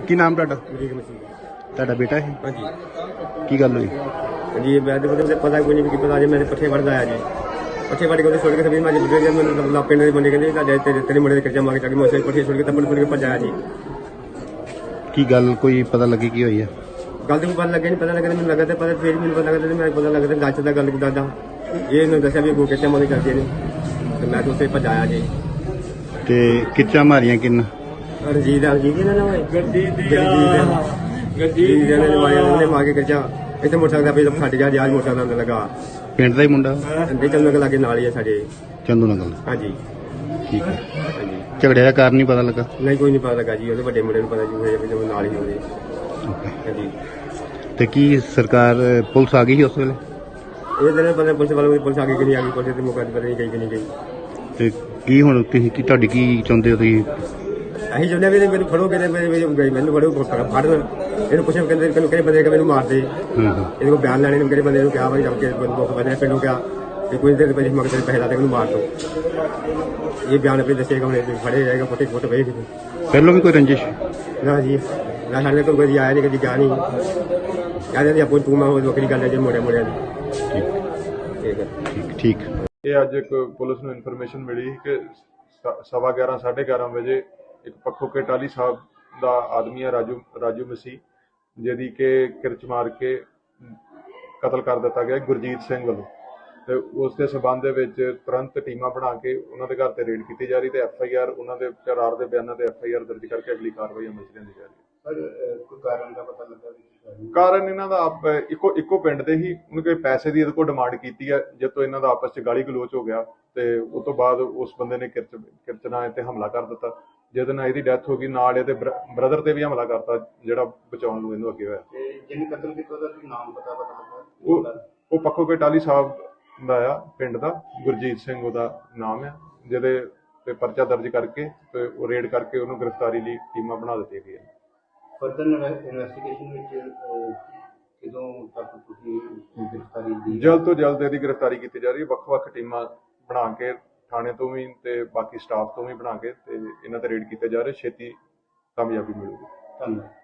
ਕੀ ਨਾਮ ਤੁਹਾਡਾ? ਅਮਰੀਕ ਮਸੀਹ। ਤੁਹਾਡਾ ਬੇਟਾ ਹੈ? ਹਾਂਜੀ ਕੀ ਗੱਲ ਹੋਈ? ਜੀ ਮੈਂ ਤਾਂ ਪਤਾ ਕੋਈ ਨਹੀਂ ਕੀ ਪਤਾ ਜੀ ਮੇਰੇ ਪੱਠੇ ਵੜਦਾ ਆਇਆ ਜੀ ਪੱਠੇ ਵੜ ਕੇ ਉਹਦੇ ਛੋੜ ਕੇ ਸਭੀ ਮੈਂ ਬੁੱਢੇ ਜਦ ਮੈਨੂੰ ਪਿੰਡ ਦੇ ਬੰਦੇ ਕਹਿੰਦੇ ਤੁਹਾਡੇ ਤੇਰੇ ਮੁੰਡੇ ਦੇ ਕੱਚਾ ਮਾਰ ਕੇ ਮੈਂ ਪੱਠੇ ਛੋੜ ਕੇ ਤੱਪੜ ਛੋੜ ਕੇ ਭੱਜਿਆ ਜੀ। ਕੀ ਗੱਲ ਕੋਈ ਪਤਾ ਲੱਗੀ ਕੀ ਹੋਈ ਹੈ? ਗੱਲ ਤਾਂ ਪਤਾ ਲੱਗਿਆ ਨਹੀਂ ਪਤਾ ਲੱਗਦਾ ਮੈਨੂੰ ਲੱਗਾ ਤੇ ਪਤਾ ਫਿਰ ਮੈਨੂੰ ਪਤਾ ਲੱਗਦਾ ਮੈਂ ਪਤਾ ਲੱਗਦਾ ਗੱਚ ਦਾ ਗੱਲ ਦਾਦਾ ਇਹ ਇਹਨੂੰ ਦੱਸਿਆ ਵੀ ਅੱਗੋਂ ਕੱਚਾ ਮਾਰ ਕਰਦੇ ਨੇ ਤੇ ਮੈਂ ਤਾਂ ਉੱਥੇ ਭੱਜਾਇਆ ਜੀ। ਤੇ ਕਿੱਚਾ ਮਾਰੀਆਂ ਕਿੰਨ? ਰਣਜੀਤ ਇਹਨਾਂ ਨੇ ਹੋਏ ਗੱਡੀ ਦੇ ਨੇ ਮਾਰਿਆ ਉਹਨੇ ਮਾਰ ਕੇ ਕੱਚਾ ਇੱਥੇ ਮੋਟਰਸਾਈਕਲ ਦਾ ਫੱਟ ਗਿਆ ਜੀ। ਅੱਜ ਮੋਟਰਸਾਈਕਲ ਲੱਗਾ ਪਿੰਡ ਦਾ ਹੀ ਮੁੰਡਾ? ਅੰਡੇ ਚੰਦ ਨਗਰ ਲਾਗੇ ਨਾਲ ਹੀ ਆ ਸਾਡੇ। ਚੰਦੂ ਨਗਰ? ਹਾਂਜੀ ਠੀਕ ਹੈ। ਹਾਂਜੀ ਝਗੜੇ ਦਾ ਕਾਰਨ ਨਹੀਂ ਪਤਾ ਲੱਗਾ? ਨਹੀਂ ਕੋਈ ਨਹੀਂ ਪਤਾ ਲੱਗਾ ਜੀ ਉਹਦੇ ਵੱਡੇ ਮੁੰਡੇ ਨੂੰ ਪਤਾ ਜੀ ਹੋਏ ਨਾਲ ਹੀ ਹੋਵੇ। ਓਕੇ। ਹਾਂਜੀ ਤੇ ਕੀ ਸਰਕਾਰ ਪੁਲਿਸ ਆ ਗਈ ਸੀ ਉਸ ਵੇਲੇ? ਇਹ ਦਿਨ ਪਤਾ ਪੁਲਿਸ ਵਾਲੇ ਪੁਲਿਸ ਆ ਗਈ ਕਿ ਨਹੀਂ ਆ ਗਈ ਪੁਲਿਸ ਦੇ ਮੌਕੇ ਤੇ ਪਤਾ ਨਹੀਂ ਗਈ ਕਿ ਨਹੀਂ ਗਈ। ਤੇ ਕੀ ਹੁਣ ਤੁਸੀਂ ਕੀ ਤੁਹਾਡੀ ਕੀ ਚਾਹੁੰਦੇ ਹੋ ਤੁਸੀਂ? ਅਸੀਂ ਚਾਹੁੰਦੇ ਵੀ ਮੈਨੂੰ ਫੜੋਗੇ ਤੇ ਮੈਨੂੰ ਫੜੋ ਫੜਨ ਇਹਨੂੰ ਪੁੱਛਿਆ ਕਹਿੰਦੇ ਕਿਹੜੇ ਬੰਦੇ ਕਿ ਮੈਨੂੰ ਮਾਰ ਦੇ ਇਹਦੇ ਕੋਲ ਬਿਆਨ ਲੈਣੇ ਨੂੰ ਕਿਹੜੇ ਬੰਦੇ ਨੂੰ ਕਿਹਾ ਵਾਰੀ ਜਦ ਕੇ ਦੁੱਖ ਬੰਦੇ ਪਿੰਡੋਂ ਕਿਹਾ ਕਿ ਕੋਈ ਦੇਰ ਪਹਿਲੇ ਮਗਰ ਪੈਸੇ ਲਾ ਦੇ ਮੈਨੂੰ ਮਾਰ ਦੋ। ਇਹ ਬਿਆਨ ਆਪਣੇ ਦੱਸੇਗਾ ਹੁਣ ਫੜੇ ਜਾਏਗਾ ਫੋਟੇ ਫੋਟੋ ਵੇਖ ਪਹਿਲਾਂ ਵੀ ਕੋਈ ਰੰਜਿਸ਼? ਨਾ ਜੀ ਨਾ ਸਾਡੇ ਕੋਲ ਕੋਈ ਆਇਆ ਨਹੀਂ ਕਦੀ ਗਿਆ ਨਹੀਂ ਕਹਿੰਦੇ ਜੀ ਆਪੋ ਤੂੰ ਮੈਂ ਉਹ ਵੱਖਰੀ ਗੱਲ ਹੈ ਜੀ ਮੋੜਿਆਂ ਦੀ। ਠੀਕ ਹੈ ਠੀਕ ਠੀਕ। ਇਹ ਅੱਜ ਇੱਕ ਪੁਲਿਸ ਨੂੰ ਇਨਫੋਰਮੇਸ਼ਨ ਮਿਲੀ ਕਿ 11:15 11:30 ਵਜੇ ਇੱਕ ਪੱਖੋ ਕੇ ਟਾਲੀ ਸਾਹਿਬ ਦਾ ਆਦਮੀ ਹੈ ਰਾਜੂ ਮਸੀਹ ਜਿਹਦੀ ਕਿ ਕਿਰਚ ਮਾਰ ਕੇ ਕਤਲ ਕਰ ਦਿੱਤਾ ਗਿਆ ਗੁਰਜੀਤ ਸਿੰਘ ਵੱਲੋਂ। ਤੇ ਉਸ ਦੇ ਸਬੰਧ ਦੇ ਵਿੱਚ ਤੁਰੰਤ ਟੀਮਾਂ ਬਣਾ ਕੇ ਉਹਨਾਂ ਦੇ ਘਰ ਤੇ ਰੇਡ ਕੀਤੀ ਜਾ ਰਹੀ ਤੇ FIR ਉਹਨਾਂ ਦੇ ਕਰਾਰ ਦੇ ਬਿਆਨਾਂ ਤੇ FIR ਦਰਜ ਕਰਕੇ ਅਗਲੀ ਕਾਰਵਾਈ ਅਮਲ ਚ ਲਿਆਂਦੀ ਜਾ ਰਹੀ ਹੈ। ਕੋਈ ਕਾਰਨ ਦਾ ਪਤਾ ਲੱਗਾ ਕਾਰਨ ਇਹਨਾਂ ਦਾ ਇੱਕੋ ਪਿੰਡ ਦੇ ਹੀ ਉਹਨੇ ਕੋਈ ਪੈਸੇ ਦੀ ਇਹਦੇ ਕੋਲ ਡਿਮਾਂਡ ਕੀਤੀ ਹੈ ਜਦ ਤੋਂ ਇਹਨਾਂ ਦਾ ਆਪਸ ਚ ਗਾਲੀ ਗਲੋਚ ਹੋ ਗਿਆ ਤੇ ਉਸ ਤੋਂ ਬਾਅਦ ਉਸ ਬੰਦੇ ਨੇ ਕਿਰਚ ਨਾਲ ਤੇ ਹਮਲਾ ਕਰ ਦਿੱਤਾ ਜਿਹਦੇ ਨਾਲ ਇਹਦੀ ਡੈਥ ਹੋ ਗਈ। ਨਾਲ ਇਹਦੇ ਬ੍ਰਦਰ ਤੇ ਵੀ ਹਮਲਾ ਕਰਤਾ ਜਿਹੜਾ ਬਚਾਉਣ ਨੂੰ ਇਹਨੂੰ ਅੱਗੇ ਹੋਇਆ। ਜਿਹਨੇ ਕਤਲ ਕੀਤਾ ਉਹਦਾ ਨਾਮ ਪਤਾ ਲੱਗਾ? ਉਹ ਪੱਖੋ ਕੇ ਟਾਲੀ ਸਾਹਿਬ ਦਾ ਆ ਪਿੰਡ ਦਾ ਗੁਰਜੀਤ ਸਿੰਘ ਉਹਦਾ ਨਾਮ ਆ ਜਿਹਦੇ ਤੇ ਪਰਚਾ ਦਰਜ ਕਰਕੇ ਤੇ ਉਹ ਰੇਡ ਕਰਕੇ ਉਹਨੂੰ ਗ੍ਰਿਫਤਾਰੀ ਲਈ ਟੀਮਾਂ ਬਣਾ ਦਿੱਤੀਆਂ ਗਈਆਂ। ਫਰਦਰ ਇਨਵੈਸਟੀਗੇਸ਼ਨ ਵਿੱਚ ਕਿਦੋਂ ਤੱਕ ਤੁਸੀਂ ਗ੍ਰਿਫਤਾਰੀ ਦੀ? ਜਲਦ ਤੋਂ ਜਲਦ ਇਹਦੀ ਗ੍ਰਿਫਤਾਰੀ ਕੀਤੀ ਜਾ ਰਹੀ ਹੈ। ਵੱਖ-ਵੱਖ ਟੀਮਾਂ ਬਣਾ ਕੇ ਥਾਣੇ ਤੋਂ ਵੀ ਤੇ ਬਾਕੀ ਸਟਾਫ ਤੋਂ ਵੀ ਬਣਾ ਕੇ ਤੇ ਇਹਨਾਂ ਤੇ ਰੇਡ ਕੀਤੇ ਜਾ ਰਹੇ। ਛੇਤੀ ਕਾਮਯਾਬੀ ਮਿਲੂਗੀ। ਧੰਨਵਾਦ।